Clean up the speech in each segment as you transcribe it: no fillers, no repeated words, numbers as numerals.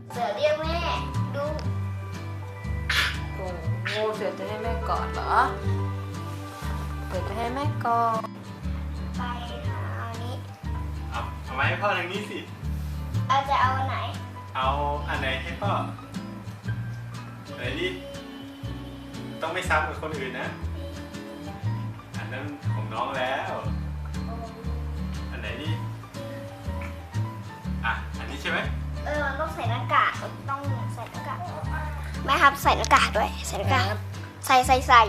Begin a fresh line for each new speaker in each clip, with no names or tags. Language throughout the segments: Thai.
เสือเรียกแม่ดู
โอ้โหเสือจะให้แม่กอดเหรอเสือจะให้แม่กอด
ไปหาอันนี้
เอามาให้พ่อทางนี้สิ
อาจะเอาอันไหน
เอาอันไหนให้พ่อไหนดิต้องไม่ซ้ำกับคนอื่นนะ อันนั้นของน้องแล้ว อันไหนดิอันนี้ใช่ไหม
มันต้องใส่หน้ากากต้องใส่หน้ากากแม่ครับใส่หน้ากากด้วยใส่หน้ากากใส่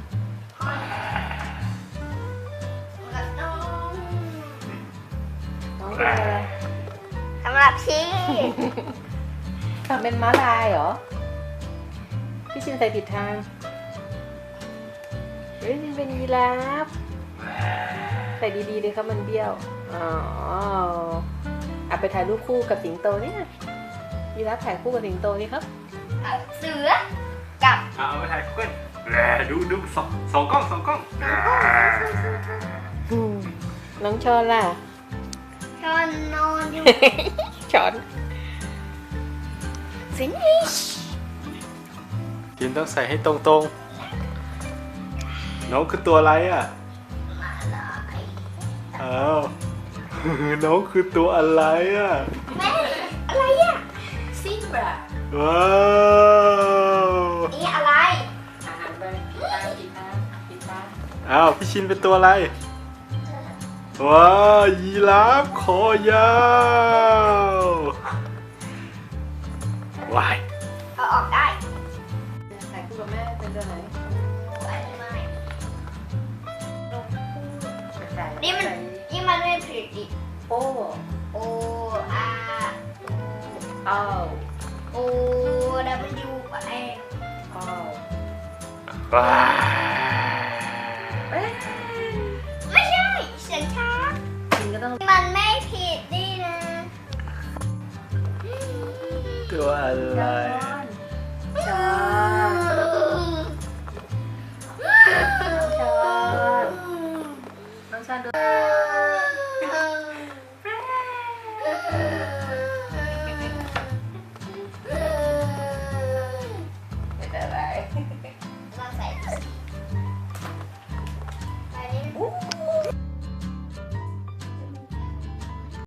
น้อง
น้องเป็นอะไร
สำหรับพี่
ทำเป็นม้าลายเหรอพี่ชินใส่ผิดทางเฮ้ยชินเป็นยีราฟใส่ดีๆเลยครับมันเบี้ยวอ๋อเอาไปถ่ายรูปคู่กับสิงโตนี่นะยีราฟถ่ายคู่กับสิงโตนี่ครับ
เสือกับ
เอาไปถ่ายคู่กันดูสองกล้อง
น้องชอนล่ะ
ชอนนอนอยู่
ช้อน
finish
กินต้องใส่ให้ตรงๆน้องคือตัวอะไรอ่ะ
มาลาย
อ้าว น้องคือตัวอะไรอ่ะ
แม่อะไรอ่ะ
ซิบรา
ว้าว
นี่อะไร
อาหารไปปิดตา
อ้าวพี่ชินเป็นตัวอะไรว้าวยีราฟคอยาววาย
เอาออกได้
ถ่ายคู่กับแม่เป็นตัวไหน
ไปไม่
ใส่
นี่มันไม่ผิดดิ
โอ้
โออา
เอา
โอดับเบิลยูไป
เอา
ว้า
ไม่ใช่เสียงช้า
จริงก็ต้อง
มันไม่ผิดดินะ
ตัวอะไร